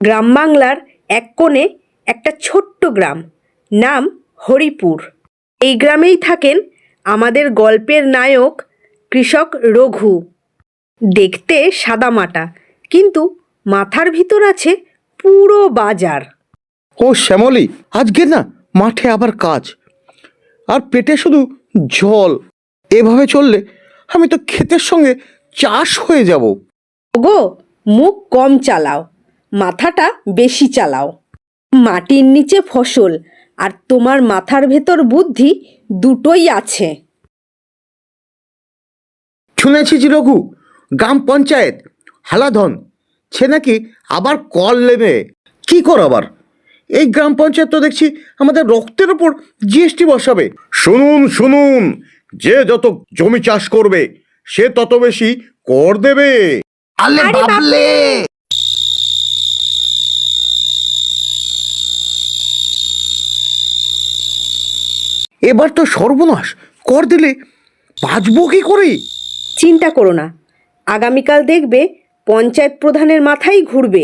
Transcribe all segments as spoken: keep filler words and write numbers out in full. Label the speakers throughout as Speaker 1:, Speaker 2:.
Speaker 1: গ্রাম বাংলার এক কোণে একটা ছোট্ট গ্রাম, নাম হরিপুর। এই গ্রামেই থাকেন আমাদের গল্পের নায়ক কৃষক রঘু। দেখতে সাদামাটা, কিন্তু মাথার ভিতর আছে পুরো বাজার।
Speaker 2: ও শ্যামলী, আজকে না মাঠে আবার কাজ, আর পেটে শুধু জল। এভাবে চললে আমি তো ক্ষেতের সঙ্গে চাষ হয়ে যাব।
Speaker 1: গো, মুখ কম চালাও, মাথাটা বেশি চালাও। মাটির নিচে ফসল আর তোমার মাথার ভেতর বুদ্ধি দুটোই আছে।
Speaker 2: শুনেছি যে রঘু, গ্রাম পঞ্চায়েত হালাধন সে নাকি আবার কল নেবে। কি কর আবার? এই গ্রাম পঞ্চায়েত তো দেখছি আমাদের রক্তের ওপর জিএসটি বসাবে। শুনুন শুনুন, যে যত জমি চাষ করবে সে তত বেশি কর দেবে। আলে বাবলে! এবার তো সর্বনাশ, কর দিলে বাঁচবো কি করে?
Speaker 1: চিন্তা করো না, আগামীকাল দেখবে পঞ্চায়েত প্রধানের মাথাই ঘুরবে।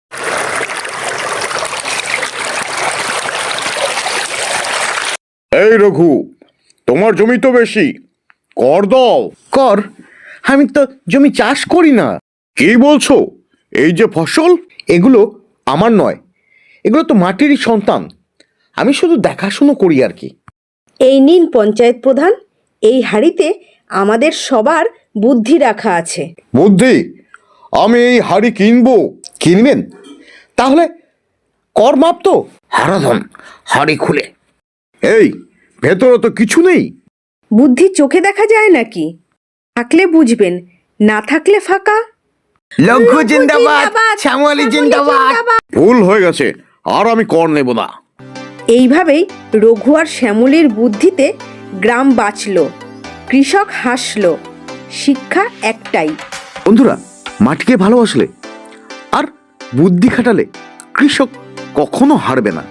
Speaker 2: এই রঘু, তোমার জমি তো বেশি, কর দাও। কর? আমি তো জমি চাষ করি না। কি বলছো? এই যে ফসল, এগুলো আমার নয়, এগুলো তো মাটিরই সন্তান। আমি শুধু দেখাশুনো করি আর কি।
Speaker 1: এই নিন পঞ্চায়েত প্রধান, এই হাঁড়িতে আমাদের সবার বুদ্ধি রাখা আছে।
Speaker 2: বুদ্ধি? আমি এই হাড়ি কিনবো? কিনবেন? তাহলে কর মাপ তো। হারাধন, হাড়ি খুলে। এই, ভেতরে তো কিছু নেই।
Speaker 1: বুদ্ধি চোখে দেখা যায় নাকি? থাকলে বুঝবেন, না থাকলে ফাঁকা।
Speaker 2: লঘু জিন্দাবাদ, শ্যামলী জিন্দাবাদ। ভুল হয়ে গেছে, আর আমি কর নেব না।
Speaker 1: এইভাবেই রঘু আর শ্যামলীর বুদ্ধিতে গ্রাম বাঁচল, কৃষক হাসল। শিক্ষা একটাই,
Speaker 2: বন্ধুরা, মাটিকে ভালোবাসলে আর বুদ্ধি খাটালে কৃষক কখনো হারবে না।